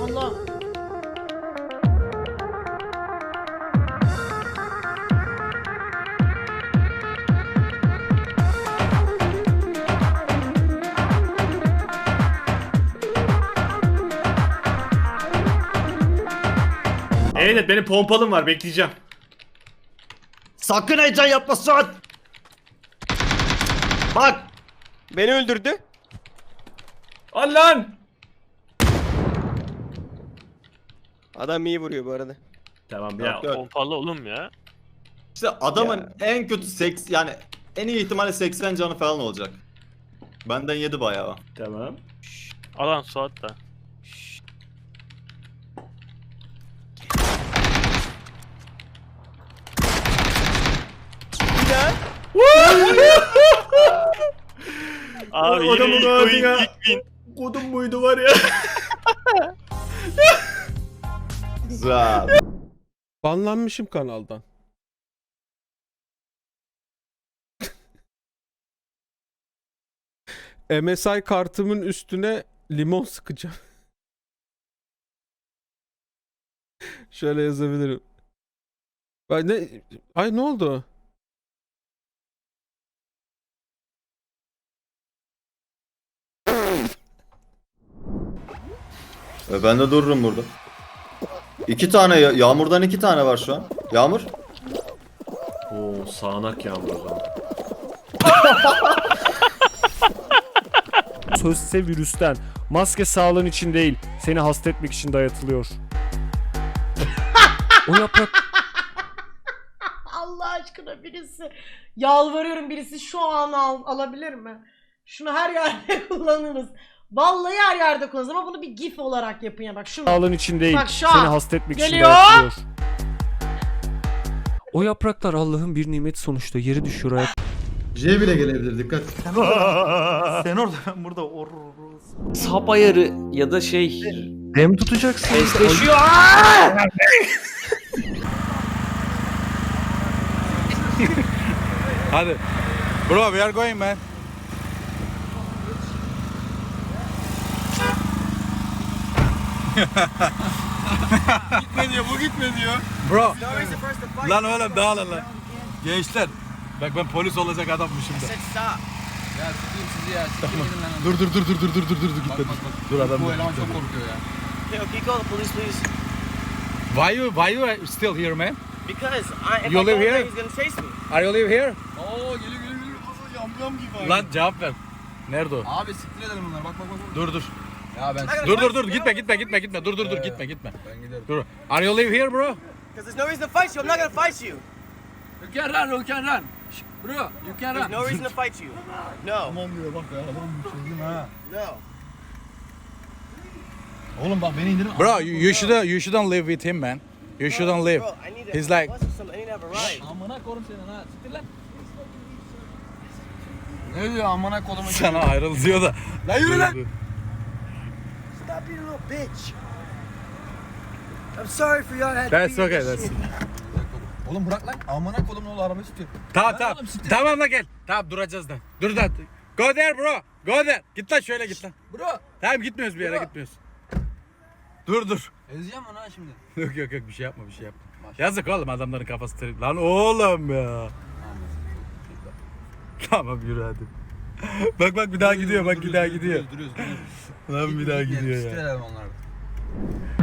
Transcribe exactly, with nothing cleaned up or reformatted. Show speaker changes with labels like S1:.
S1: Allah.
S2: Evet, benim pompalım var, bekleyeceğim.
S3: Sakın heyecan yapma Suat. Bak.
S4: Beni öldürdü.
S2: Al lan!
S4: Adam iyi vuruyor bu arada.
S2: Tamam
S5: Ya
S2: ya.
S5: pompalı oğlum ya.
S3: İşte adamın en kötü seks yani en iyi ihtimalle seksen canı falan olacak. Benden yedi bayağı.
S2: Tamam.
S5: Alan Suat da.
S4: Bir daha.
S5: Abi
S2: O- adamın
S5: yine ilk
S2: ağzına-
S5: oyun ilk win.
S2: Kodum muydu var ya?
S3: Güzel.
S6: Banlanmışım kanaldan. M S I kartımın üstüne limon sıkacağım. Şöyle yazabilirim. Ay ne? Ay ne oldu?
S3: E ben de dururum burada. İki tane ya- Yağmurdan iki tane var şu an. Yağmur.
S2: Oo, sağanak yağmur o zaman.
S7: Sözse virüsten. Maske sağlığın için değil, seni hasta etmek için dayatılıyor. O yaprak
S1: Allah aşkına birisi. Yalvarıyorum, birisi şu an al, alabilir mi? Şunu her yerde kullanırız. Vallahi her yerde kullanırız ama bunu bir gif olarak yapın ya, bak şunu.
S7: sağlığın için değil,
S1: Bak şu
S7: seni
S1: an
S7: hasta etmek için
S1: geliyor.
S7: dayatılıyor. O yapraklar Allah'ın bir nimeti sonuçta, yeri düşüyor ayak.
S8: J bile gelebilir, dikkat.
S9: Sen orada, ben burada. Or,
S10: Sap ayarı ya da şey
S9: Dem tutacaksın.
S10: eşleşiyor.
S9: Hadi. Bro, we are going man. Gitme diyor, bu gitme diyor. Bro. Lan oğlum dağılın lan. Gençler. Bak ben polis olacak adammışım da.
S10: Ya sıkayım sizi ya. Siktir gidin lan.
S9: Dur dur dur dur dur dur dur dur gitme. Dur, dur adam.
S10: Bu eleman çok korkuyor ya.
S4: Okay, okay, call the police please.
S9: Why you why you still here man?
S4: Because I, if
S9: You
S4: I
S9: live
S4: go there,
S9: here?
S4: he's gonna chase me.
S9: Are you live here?
S10: Oo geliyor geliyor geliyor. Yam yam gibi.
S9: Lan cevap ver. Nerede o?
S10: Abi siktir edelim bunları. Bak bak bak.
S9: Dur dur.
S10: Ya ben
S9: Dur dur dur gitme gitme gitme gitme. Dur dur dur gitme gitme.
S10: ben giderim.
S9: Dur. Are you live here bro?
S4: Because there's no reason to fight you. I'm not gonna fight you.
S10: You can run, you can run. Bro, you can
S4: There's
S10: run.
S4: no reason to fight you. No.
S9: Tamam diyor bak ya adam çözdüm ha.
S4: No.
S9: Oğlum bak beni indirin. Bro you, you shouldn't you shouldn't live with him man. You shouldn't live.
S4: Bro, I need a
S9: He's like-
S4: bus or something. I need to have a ride.
S10: Amına korum seni ha. Siktir lan. Ne diyor amına kolumu?
S9: Sana ayrıl diyor da.
S10: Lan yürü lan.
S4: Stop being a little bitch. I'm sorry for y'all had to
S9: That's
S4: be in
S9: okay,
S4: this
S9: that's-
S4: shit.
S10: Oğlum bırak lan. Amına kolum ne olur arabayı tutuyor.
S9: Tamam tamam. Tamam da gel. Tamam duracağız da. Dur da. Go there bro. Go there. Git lan şöyle git lan.
S10: Bro.
S9: Tamam gitmiyoruz bir yere
S10: Bro.
S9: gitmiyoruz. Dur dur.
S10: Ezeceğim onu ha şimdi.
S9: Yok yok yok bir şey yapma bir şey yapma. Yazık oğlum adamların kafası trip. Lan oğlum ya. Tamam yürü hadi. Bak bak bir daha gidiyor bak bir daha gidiyor.
S10: Duruyoruz duruyoruz.
S9: Lan bir daha gidiyor ya.
S10: Siktir edelim onları.